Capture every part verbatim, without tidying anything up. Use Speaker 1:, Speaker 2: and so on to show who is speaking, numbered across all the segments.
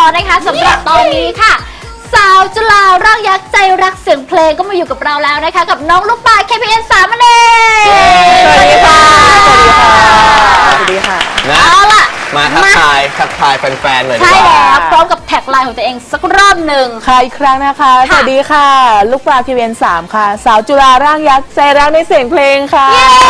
Speaker 1: นะคะสำหรับตอนนี้ค่ะสาวจุฬาร่างยักษ์ใจรักเสียงเพลงก็มาอยู่กับเราแล้วนะคะกับน้องลูกปลา เค พี เอ็น สามนั่นเองสวัสดีค่ะ
Speaker 2: สวัสดีค่ะ
Speaker 3: นะเอาล่ะมาทักทายทักทายแฟนๆเลยดีกว่า
Speaker 1: ใช่แล้วพร้อมกับแท็กไลน์ของตัวเองสักรอบหนึ่ง
Speaker 2: ค่ะอีกครั้งนะคะสวัสดีค่ะลูกปลา เค พี เอ็น สาม ค่ะสาวจุฬาร่างยักษ์ใจรักในเสียงเพลงค่ะ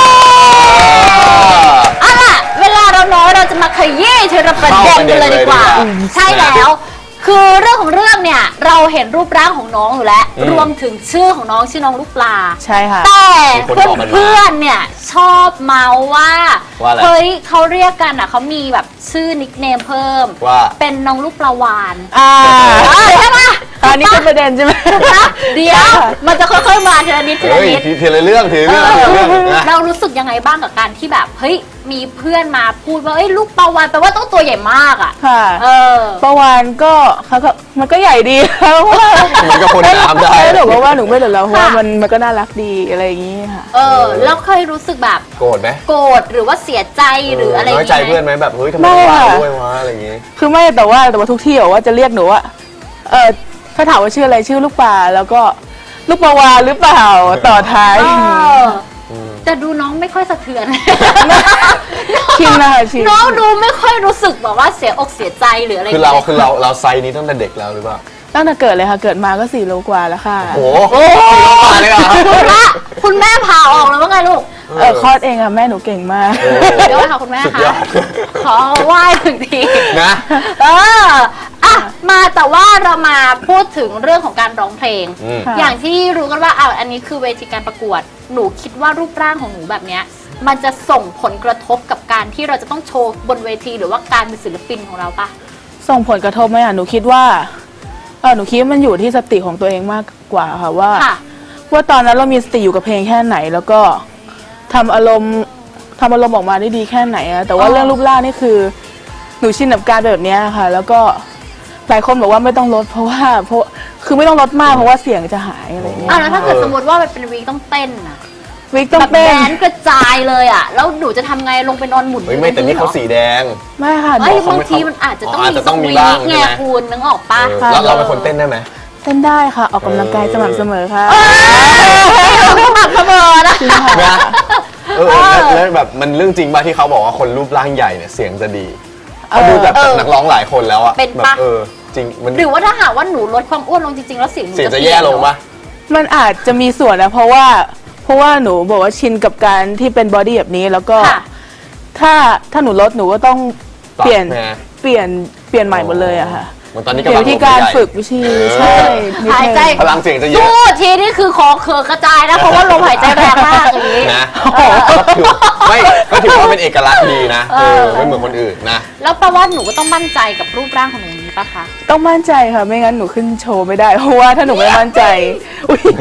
Speaker 1: เอาล่ะเวลาเราน้อยเราจะมาขยี้ทีละประเด็นกันเลยดีกว่าใช่แล้วคือเรื่องของเรื่องเนี่ยเราเห็นรูปร่างของน้องอยู่แล้วรวมถึงชื่อของน้องชื่อน้องลูกปลา
Speaker 2: ใช่ค่ะ
Speaker 1: แต่เพื่อนๆเนี่ยชอบเมาว่าเฮ้ยเขาเรียกกันอ่ะเขามีแบบชื่อนิกเนมเพิ่ม
Speaker 3: ว่า
Speaker 1: เป็นน้องลูกปลาวาน
Speaker 2: อ่า
Speaker 1: ใช่ไหม
Speaker 2: อันนี้เป็นประเด็นใช่ไหม
Speaker 1: เดี๋ยวมันจะค่อยๆมาทีละนิดทีละนิด
Speaker 3: ทีละเรื่องทีละเรื่อง
Speaker 1: เรารู้สึกยังไงบ้างกับการที่แบบเฮ้ยมีเพื่อนมาพูดว่าเอ้ยลูกปลาวานแปลว่าต้องตัวใหญ่มากอ่ะ
Speaker 2: ค่ะเออปลาวานก็เขาก็มันก็ใหญ่ดีเพราะว่า
Speaker 3: มันก็คนน้ำได้
Speaker 2: หนูว่าหนูไม่เหลือแล้วเพราะว่ามันมันก็น่ารักดีอะไรอย่างนี้ค่ะ
Speaker 1: เออแล้วเคยรู้สึกแบบ
Speaker 3: โกรธไหม
Speaker 1: โกรธหรือว่าเสียใจหรืออะไร
Speaker 3: น้อยใจเพื่อนไหมแบบเฮ้ยทำไมว่าด้วยวะอะไรอย่างงี้
Speaker 2: คือไม่แต่ว่าแต่ว่าทุกที่บอกว่าจะเรียกหนูว่าเออถ้าถามว่าชื่ออะไรชื่อลูกปลาแล้วก็ลูกปลาวานหรือเปล่าต่อท้าย
Speaker 1: แต่ดูน้องไม่ค่อยสะเทือน
Speaker 2: ชินนะคะชิน
Speaker 1: น้องดูไม่ค่อยรู้สึกแบบว่าเสียอกเสียใจหรืออะไร
Speaker 3: คือเราคือเราเราไซส์นี้ตั้งแต่เด็กแล้วหรือเปล่า
Speaker 2: ตั้งแต่เกิดเลยค่ะเกิดมาก็สี่โลกว่าแล้วค่ะ
Speaker 3: โอ้โหสี่โลกว่าเลยเหรอ
Speaker 1: คุณแม่คุณแม่ผ่าออกแล้วว่าไงลูก
Speaker 2: เออคลอดเองค่ะแม่หนูเก่งมาก
Speaker 1: เดี๋ยวค่ะคุณแม่ค่ะขอไหว้ถึงที
Speaker 3: นะ
Speaker 1: เอออ่ะมาแต่ว่าเรามาพูดถึงเรื่องของการร้องเพลงอย่างที่รู้กันว่าอ่ะอันนี้คือเวทีการประกวดหนูคิดว่ารูปร่างของหนูแบบเนี้ยมันจะส่งผลกระทบกับการที่เราจะต้องโชว์บนเวทีหรือว่าการเป็นศิลปินของเราปะ
Speaker 2: ส่งผลกระทบไหมอ่ะหนูคิดว่าเออหนูคิดว่ามันอยู่ที่สติของตัวเองมากกว่าค่ะว่าว่าตอนนั้นเรามีสติอยู่กับเพลงแค่ไหนแล้วก็ทำอารมณ์ทำอารมณ์ออกมาได้ดีแค่ไหนอะแต่ว่าเรื่องรูปร่างนี่คือหนูชินกับการแบบนี้ค่ะแล้วก็หลายคนบอกว่าไม่ต้องลดเพราะว่าเพราะคือไม่ต้องลดมากเพราะว่าเสียงจะหายอะไรเงี้ย
Speaker 1: อ่ะแล้วถ้าเกิดสมมติว่ามันเป็นวีคต้องเต้นอะ
Speaker 2: วิกต้องเต้น
Speaker 1: แดนกระจายเลยอ่ะแล้วหนูจะทำไงลงไปนอนหมุน
Speaker 3: ไม่แต่นี่เขาสีแดง
Speaker 2: ไม่ค่ะ
Speaker 1: บางทีมันอาจจะต้องมีบ้างไงคุณนึกออกปะ
Speaker 3: แล้วเราเป็นคนเต้นได้ไหม
Speaker 2: เต้นได้ค่ะออกกำลังกายสม่ำเสมอค่ะ
Speaker 1: สม่ำเสมอนะ
Speaker 3: เออแล้วแบบมันเรื่องจริงป่ะที่เขาบอกว่าคนรูปร่างใหญ่เนี่ยเสียงจะดีเขาดูแบบนักร้องหลายคนแล้วอะ
Speaker 1: เป็นปะ
Speaker 3: เออจริง
Speaker 1: หรือว่าถ้าหากว่าหนูลดความอ้วนลงจริงๆแล้วเสียงหนู
Speaker 3: จะแย่ลงปะ
Speaker 2: มันอาจจะมีส่วนนะเพราะว่าเพราะว่าหนูบอกว่าชินกับการที่เป็นบอดี้แบบนี้แล้วก็ถ้าถ้าหนูลดหนูก็ต้องเปลี่ยนเปลี่ยนเปลี่ยนใหม่หมดเลยอะค่ะ
Speaker 3: ตอนนี้
Speaker 2: เกี่ยวกับการฝึกวิธีใช่
Speaker 1: หายใจ
Speaker 3: พลังเสียงจะเยอะ
Speaker 1: สู้ทีนี่คือคอเคือกระจายนะเพราะว่าลมหายใจแรงมากอย่างนี้
Speaker 3: นะไม่ก็ถือว่าเป็นเอกลักษณ์ดีนะไม่เหมือนคนอื่นนะ
Speaker 1: แล้วแปลว่าหนูก็ต้องมั่นใจกับรูปร่างของหนูนี้ปะคะ
Speaker 2: ต้องมั่นใจค่ะไม่งั้นหนูขึ้นโชว์ไม่ได้เพราะว่าถ้าหนูไม่มั่นใจอุ้ย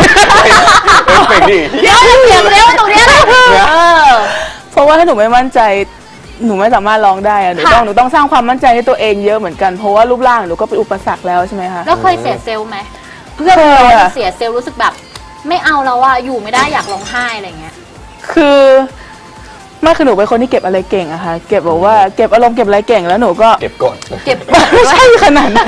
Speaker 1: เดี๋ยวจะเสียงเร็วตรงนี้นะ
Speaker 2: เพราะว่าถ้าหนูไม่มั่นใจหนูไม่สามารถร้องได้อะหนูต้องหนูต้องสร้างความมั่นใจให้ตัวเองเยอะเหมือนกันเพราะว่ารูปร่างหนูก็เป็นอุปสรรคแล้วใช่ไหมคะ
Speaker 1: แล้วเคยเสียเซลล์ไหมเพื่อนเสียเซลล์รู้สึกแบบไม่เอาแล้วอะอยู่ไม่ได้อยากร้องไห้อะไรเงี้ย
Speaker 2: คือไม่คือหนูเป็นคนที่เก็บอะไรเก่งอะค่ะเก็บบอกว่าเก็บอารมณ์เก็บอะไรเก่งแล้วหนูก็
Speaker 3: เก็บกด
Speaker 1: เก็บ
Speaker 2: ไม่ใช่ขนาดนั้น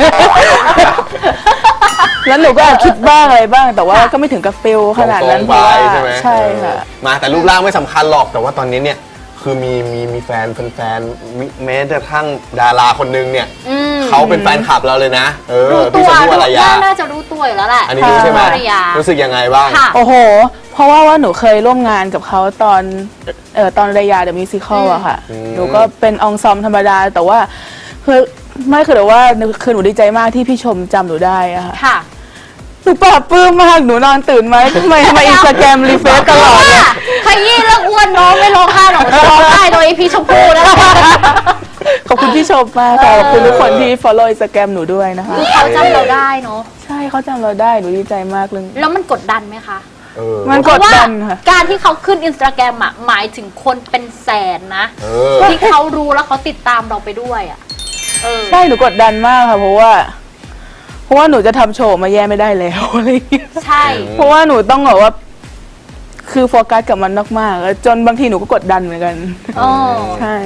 Speaker 2: แล้วหนูก็คิดบ้างอะไรบ้างแต่ว่าก็ไม่ถึงกับเฟลขนาดนั้นเพราะว่าใช่ค่ะ
Speaker 3: มาแต่รูปร่างไม่สำคัญหรอกแต่ว่าตอนนี้เนี่ยคือมีมีมีแฟนแฟนแม้แต่ทั้งดาราคนนึงเนี่ยเขาเป็นแฟนคลับเราเลยนะเออ
Speaker 1: พี่ชมพู่อารยาน่าจะรู้ตัวอยู่แล้วแหละ
Speaker 3: อันนี้รู้ใช่ไหมรู้สึกยังไงบ้าง
Speaker 2: โอ้โหเพราะว่าว่าหนูเคยร่วมงานกับเขาตอนเอ่อตอนระยาเดอะมิวสิคอลอะค่ะหนูก็เป็นองซอมธรรมดาแต่ว่าคือไม่คือแต่ว่าคือหนูดีใจมากที่พี่ชมจำหนูได้อะค่ะหนูปลาบปลื้มมากหนูนอนตื่นไหมทำไมทำไมอินสตาแกรมรีเฟซตลอดเลย
Speaker 1: ขยี้เรื่องอ้วนน้องไม่ร้องไห้หรอกจะร้องไห้โดยพี่ชมพู่นะ
Speaker 2: ขอบคุณพี่ชมมากค่ะขอบคุณทุกคนที่ follow อินสตาแกรมหนูด้วยนะคะ
Speaker 1: เขาจำเราได้เนาะ
Speaker 2: ใช่เขาจำเราได้หนูดีใจมากเลย
Speaker 1: แล้วมันกดดันไหมคะ
Speaker 2: มันกดดันค่ะ
Speaker 1: การที่เขาขึ้นอินสตาแกรมอะหมายถึงคนเป็นแสนนะที่เขารู้แล้วเขาติดตามเราไปด้วยอะ
Speaker 2: ใช่หนูกดดันมากค่ะเพราะว่าเพราะว่าหนูจะทำโชว์มาแย่ไม่ได้แล้วอะไรอย่างเงี้ย
Speaker 1: ใช่
Speaker 2: เพราะว่าหนูต้องแบบว่าคือโฟกัสกับมันมากๆจนบางทีหนูก็กดดันเหมือนกัน
Speaker 1: อ๋อ
Speaker 2: ใช่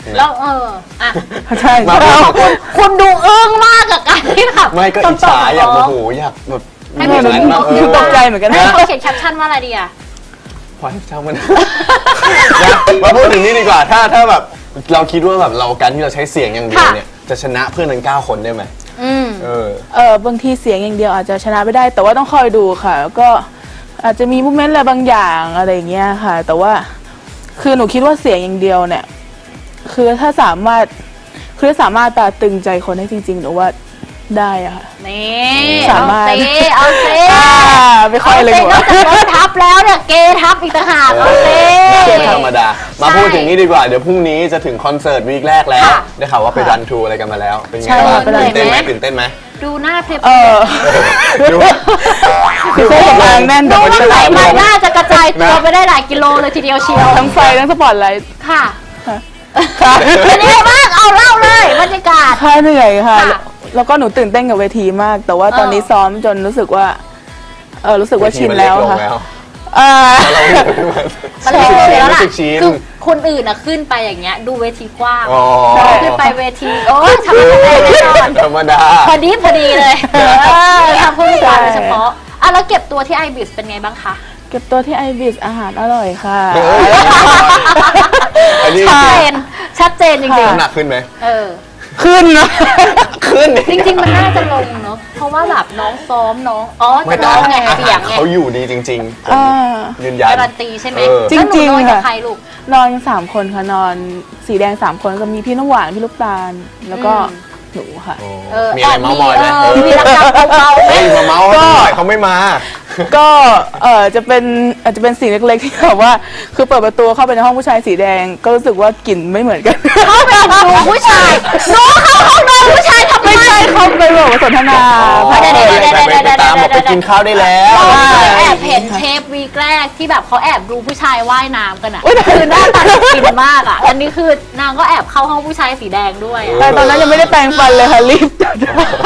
Speaker 1: แล้วเอออ่ะ
Speaker 2: ใช่
Speaker 3: มา
Speaker 2: ใช่
Speaker 3: พูดถึง
Speaker 1: คุณดูอึ้งมากกับการที่แบบ
Speaker 3: ไม่ก็อิจฉาอยากโอ้โหอยากแบบ
Speaker 1: ให้
Speaker 2: หนู
Speaker 1: พี่
Speaker 2: ห
Speaker 1: ช
Speaker 2: นู
Speaker 1: ม
Speaker 3: บ้าง
Speaker 2: หนูตกใจเหมือนกัน
Speaker 1: ให้
Speaker 2: นะ
Speaker 1: เขาเขียนแคปชั่นว่าอะไรดีอ่ะ
Speaker 3: พอให้ช่างมันนะมาพูดถึงนี่ดีกว่าถ้าถ้าแบบเราคิดว่าแบบเราการที่เราใช้เสียงอย่างเดียวเนี่ยจะชนะเพื่อนทั้งเก้าคนได้ไหม
Speaker 1: อืม
Speaker 3: เออ
Speaker 2: เออบางทีเสียงอย่างเดียวอาจจะชนะไม่ได้ แต่ว่าต้องคอยดูค่ะ แล้วก็อาจจะมีมูเมนต์อะไรบางอย่างอะไรอย่างเงี้ยค่ะ แต่ว่าคือหนูคิดว่าเสียงอย่างเดียวเนี่ย คือถ้าสามารถคือถ้าสามารถตราตรึงใจคนได้จริงๆหนูว่าได้อะค่ะ
Speaker 1: นี่
Speaker 2: สา
Speaker 1: เอา
Speaker 2: มารถ
Speaker 1: เซเอาเซ
Speaker 2: อ่าไม่ค่อยเลย
Speaker 1: เซ
Speaker 2: หั
Speaker 1: น
Speaker 2: ว
Speaker 1: อกจากรถทับแล้วเนี่ยเกย์ทับอีกต่างหากเอาเซ
Speaker 3: ไม่ธรรมดา มาพูดถึงนี้ดีกว่า เดี๋ยวพรุ่งนี้จะถึงคอนเสิร์ตวีคแรกแล้ว
Speaker 1: ค่ะ
Speaker 3: ได้ข่าวว่าไปรันทูอะไรกันมาแล้ว เป็นไง
Speaker 2: ใช่
Speaker 3: บ้าง
Speaker 2: ค่ะไปรัน
Speaker 3: ตื่นเต้นไหม
Speaker 1: ทู
Speaker 3: ตื่นเต้นไหม
Speaker 1: ดูหน้าเพล
Speaker 2: เออ
Speaker 3: ดู
Speaker 2: คือเครื่องสำอางแน่น
Speaker 1: ดู
Speaker 2: แต่
Speaker 1: ว่า
Speaker 2: ไม่
Speaker 1: ไข
Speaker 2: ได้
Speaker 1: มันน่าจะกระจายตัวไปได้หลายกิโลเลยทีเดียวเชียว
Speaker 2: ทั้งไฟทั้งสปอตไลท์
Speaker 1: ค่ะ
Speaker 2: ค่ะ
Speaker 1: เป็นยังไงบ้างเอาเล่าเลยบรรยากาศ
Speaker 2: ค่ะเหนื่อยค่ะ
Speaker 1: ค่ะ
Speaker 2: แล้วก็หนูตื่นเต้นกับเวทีมาก แต่ว่าตอนนี้
Speaker 1: เออ
Speaker 2: ซ้อมจนรู้สึกว่า เออรู้สึกว่าชินแล้วค่ะ
Speaker 3: เวทีมันเกลง
Speaker 2: อ่า
Speaker 3: เราอยู่ขึ้นมา
Speaker 1: มันเลยชินแล้วล่ะ
Speaker 3: รู้สึกชิน
Speaker 1: คือคนอื่นอะขึ้นไปอย่างเงี้ยดูเวทีกว้าง
Speaker 3: อ๋อ
Speaker 1: ขึ้นไปเวทีโอ้ยทำอะไรแน่นอน
Speaker 3: ธรรมดา
Speaker 1: พอดีพอดีเลยเออทำผู้พิการโดยเฉพาะอ่ะแล้วเก็บตัวที่ไอบิสเป็นไงบ้างคะ
Speaker 2: เก็บตัวที่ไอบิสอาหารอร่อยค่ะ
Speaker 3: เฮ้ย อันนี้
Speaker 1: ชัดเจนชัดเจนจริง
Speaker 3: น้ำหนักขึ้นไหม
Speaker 1: ๆเออ
Speaker 2: ขึ้นนะ
Speaker 3: ขึ้น
Speaker 1: จริง ๆ มันน่าจะลงเนาะเพราะว่าแบบน้องซ้อมน้องอ๋อ
Speaker 3: ไม่
Speaker 1: จะ
Speaker 3: แต่
Speaker 1: น้องไง
Speaker 3: อา
Speaker 1: เสี
Speaker 3: หาย ร
Speaker 1: งไง
Speaker 3: เขาอยู่ดีจริงๆผม
Speaker 2: อ่า
Speaker 3: ยืนยัน
Speaker 1: การันตีใช่ไหม
Speaker 3: เออ
Speaker 2: จริงๆ
Speaker 1: แล้วหนูนอนกับ
Speaker 2: ค่ะ
Speaker 1: ใครลูก
Speaker 2: นอนกันสามคนค่ะนอนสีแดงสามคนก็มีพี่น้ำหวานพี่ลูกตาล แล้วก็
Speaker 1: อืม
Speaker 2: หนูค่ะ
Speaker 3: โอ้
Speaker 1: เออ
Speaker 3: มีอะไรเมาส์มอยไหม
Speaker 1: เออมีรักๆเบาๆไหม
Speaker 3: เฮ้ยมาเมาส์ให้หน่อยเขาไม่มา
Speaker 2: ก็เออจะเป็นอาจจะเป็นสิ่งเล็กๆที่แบบว่า คือเปิดประตูเข้าไปในห้องผู้ชายสีแดง ก็รู้สึกว่ากลิ่นไม่เหมือนกัน
Speaker 1: เข้าไปดูผู้ชายน้องเข้าห้องนอนผู้ชายทำไม
Speaker 2: ไม่ใช่เขาไปบอกว่าสนทนา
Speaker 3: อ๋อ
Speaker 1: เดี๋ยวๆๆๆๆ
Speaker 3: ไปไปตามบอกไปกินข้าวได้แล้ว
Speaker 1: เราเคยแอบเห็นเทปวีคแรกที่แบบเขาแอบดูผู้ชายว่ายน้ำกันอ่ะคือหน้าตาน่ากินมากอ่ะ อันนี้คือนางก็แอบเข้าห้องผู้ชายสีแดงด้วยอะ
Speaker 2: แต่ตอนนั้นยังไม่ได้แปรงฟันเลยค่ะรีบจัด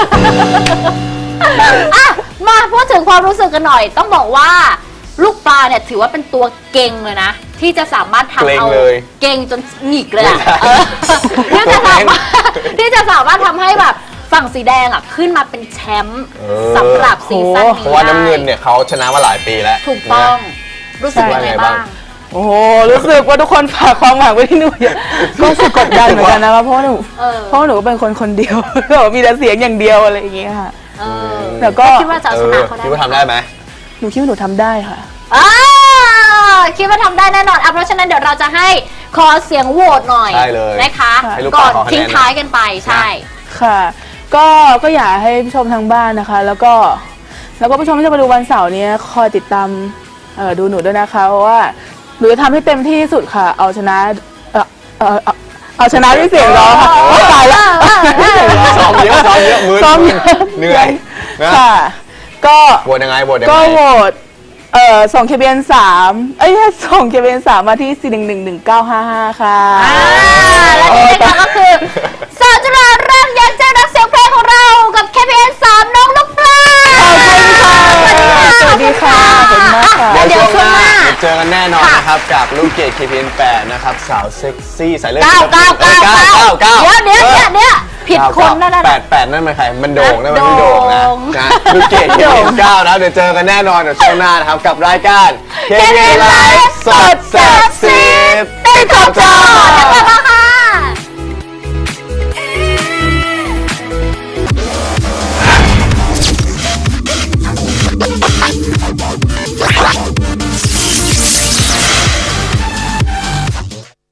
Speaker 1: อ่ะมาพูดถึงความรู้สึกกันหน่อย ต้องบอกว่าลูกปลาเนี่ยถือว่าเป็นตัวเก่งเลยนะ ที่จะสามารถทำ
Speaker 3: เกร็ง
Speaker 1: เอา
Speaker 3: เลย
Speaker 1: เก่งจนหงิกเลยอะ
Speaker 3: ไม่ใช่
Speaker 1: เออที่จะสามารถที่จะสามารถทำให้แบบฝั่งสีแดงอ่ะขึ้นมาเป็นแชมป์
Speaker 3: เออ
Speaker 1: สำหรับซีซั่นนี้
Speaker 3: เพราะว่าน้ำเงินเนี่ยเขาชนะมาหลายปีแล้ว
Speaker 1: ถูกต้องรู้สึกยังไงบ้าง
Speaker 2: โอ้โหรู้สึกว่าทุกคนฝากความหวังไว้ที่หนูเยอะก็รู้สึกกดดันเหมือนกันนะคะเพราะว่าหนู
Speaker 1: เออ
Speaker 2: เพราะว่าหนูก็เป็นคนคนเดียว แบบมีแต่เสียงอย่างเดียวอะไรอย่างเงี้ยค่ะ
Speaker 1: เออ
Speaker 2: แต่ก็
Speaker 1: คิดว่าจะเอา
Speaker 3: เอ
Speaker 1: ช
Speaker 3: อ
Speaker 1: นะเขาได้
Speaker 3: คิดว่าทำได้ไหม
Speaker 2: หนูคิดว่าหนูทำได้ค่ะ
Speaker 1: อ่าคิดว่าทำได้แน่นอนอ่ะเพราะฉะนั้นเดี๋ยวเราจะให้ขอเสียงโหวตหน่อย
Speaker 3: ได้เลย
Speaker 1: นะคะ
Speaker 3: ให้ลูก
Speaker 1: ก่อน
Speaker 3: ปลาขอคะแนน
Speaker 1: ทิ้งท้ายกันไปใช่
Speaker 2: ค่ะ ก็ก็อยากให้ผู้ชมทางบ้านนะคะ แล้วก็แล้วก็ผู้ชมที่จะมาดูวันเสาร์นี้คอยติดตามเอ่อดูหนูด้วยนะคะเพราะว่าหนูจะทำให้เต็มที่ที่สุดค่ะ เอาชนะเอ่อเอ่อเอาเอาชนะด้วยเสียงร้องค่ะโอ๊ยตายแล้วด้วยเสียงร้อง
Speaker 3: ซ้อมเยอะซ้อมเยอะมือ
Speaker 2: ซ้อม
Speaker 3: มื
Speaker 2: เย
Speaker 3: อ
Speaker 2: อะ
Speaker 3: เหนื่อยนะ
Speaker 2: ค่ะ ก็
Speaker 3: โหวตยังไงโหวตยัง
Speaker 2: ก็
Speaker 3: ไง
Speaker 2: โหวตเอ่อส่งเคเบียนสามเอ้ยส่งเคเบียนสามมาที่สี่หนึ่งหนึ่งหนึ่งเก้าห้าห้าค่ะ
Speaker 1: อ่าและนี่นะคะก็คือสาวจุฬาเรื่องยันเจ้านักเสียงเพลงของเรากับ เค พี เอ็น สามน้องลูกปลา
Speaker 2: สวัสดีค่ะขอบคุณมากค่ะ
Speaker 3: เดี๋ยว
Speaker 1: เดี๋ยว
Speaker 3: ช่วงหน้า
Speaker 1: ช่วงหน้า
Speaker 3: เดี๋ยวเจอกันแน่นอน
Speaker 1: ค่ะ
Speaker 3: นะครับ กับลูกเกด เค พี เอ็น แปด นะครับ สาวเซ็กซี่สายเลือด
Speaker 1: เก้าเก้าเก้า
Speaker 3: เก้า
Speaker 1: เก้า
Speaker 3: เก้าเก้า
Speaker 1: เดี๋ยวเดี๋ยวเดี๋ยวเดี๋ยวผิดคนนั่นน่ะ
Speaker 3: แปดแปดนั่นมันใคร มันโด่งนั่นมัน
Speaker 1: โด่
Speaker 3: ไม่
Speaker 1: ง
Speaker 3: โด่งนะนะลูกเกด เค พี เอ็น เก้า นะเดี๋ยวเจอกันแน่นอนเดี๋ยวช่วงหน้านะครับกับรายการ เค พี เอ็น ไลฟ์สดแซ่บซีดติดขอบจอ
Speaker 1: เดี๋ยวกลับมาค่ะ